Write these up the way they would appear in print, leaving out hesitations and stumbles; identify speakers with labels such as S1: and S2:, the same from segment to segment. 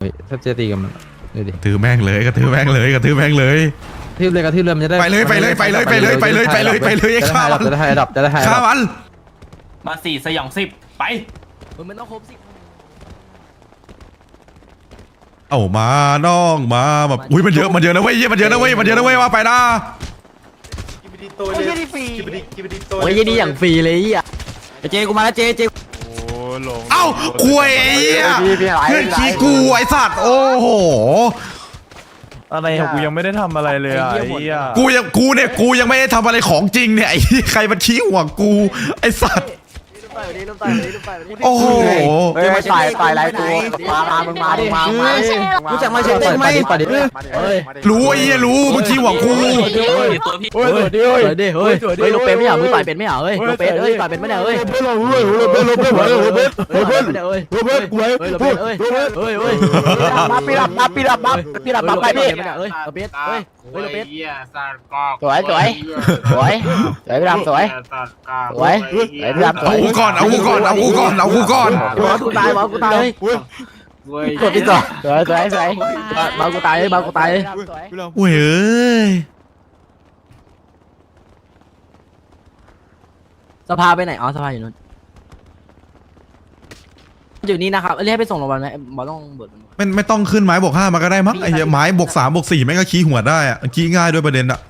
S1: พี่ถ้าจะตีกันมันดูดิ
S2: ถือแม่งเลยกระถือแม่งเลยกระถือแม่งเลย
S1: กระทืบเลยมันจะได้
S2: ไปเลย
S1: จะได้ไฮดับ
S2: ฆ่ามัน
S3: มาสี่สยองสิบไป
S4: มันต้องครบสิ
S2: เอามาน้องมาแบบอุ้ยมันเยอะนะเว้ยมันเยอะนะเว้ยว่าไปนะ
S4: โอ้ยดีอย่างฟรีเลยอ่ะเจกูมาแล้วเจ
S2: เอ้าคุยไอ้เหี้ยเพื่อนขี้กูไอ้สัตว์โอ้โห
S5: อะไรของกูยังไม่ได้ทำอะไรเลยอ่ะไอ้เหี้ย
S2: กูยังไม่ได้ทำอะไรของจริงเนี่ยไอ้ใครมาชี้หัวกูไอ้สัตว์โอ้โห
S4: เฮ้ยตายไรกูมามึงมารู้จักมาเฉยไหม
S2: รู้ไอ้เหี้ยรู้มึงชี้หัวกู
S3: ตัวพี่
S4: เฮ้ยโลเปไม่เหรอมึงต่อยเป็นไม่เหรอเฮ้ยโลเปเฮ้ยต่อยเป็นไม่เหรอเฮ้ยโลเปปีรับไปพี่เฮ้ยโลเปเฮ้ยโลเปสวยพี่รับสวยพี่รับสวย
S2: เอากูก่อนกูตาย
S4: เลยกดพี่ต่อสวยมากูตายเลย
S2: โอ้ยเอ้ย
S4: สภาไปไหนอ๋อสภาอยู่นู้นอยู่นี่นะครับเรียกไปส่งโรงพยาบาลไหมบอลต้องบด
S2: ไม่ต้องขึ้นไม้บวก 5มาก็ได้มั้งไอ้เหี้ยไม้บวก 3บวก 4แม่งก็ขี้หัวได้อะขี้ง่ายด้วยประเด็นอะ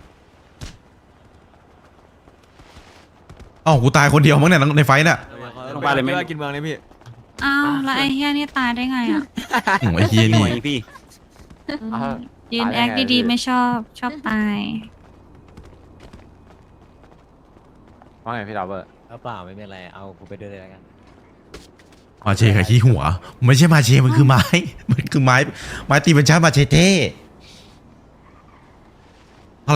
S2: เอ้ากูตายคนเดียวมั้งเนี่ยในไฟเนี่ย
S5: ลงไปเลยไม่กินเมืองเลยพี่
S6: อ้าวแล้วไอ้เฮียนี่ตายได้ไงอ่ะ
S2: ไอ้เหี้ยนี่
S5: พี่
S6: ยืนแอคดีๆไม่ชอบตาย
S5: ว่าไงพี่ดับเบิล
S4: เปล่าไม่เป็นไรเอากูไปด้วยเลยแล้วกัน
S2: มาเชกับขี้หัวไม่ใช่มาเชมันคือไม้ตีเป็นชาติมาเชเต้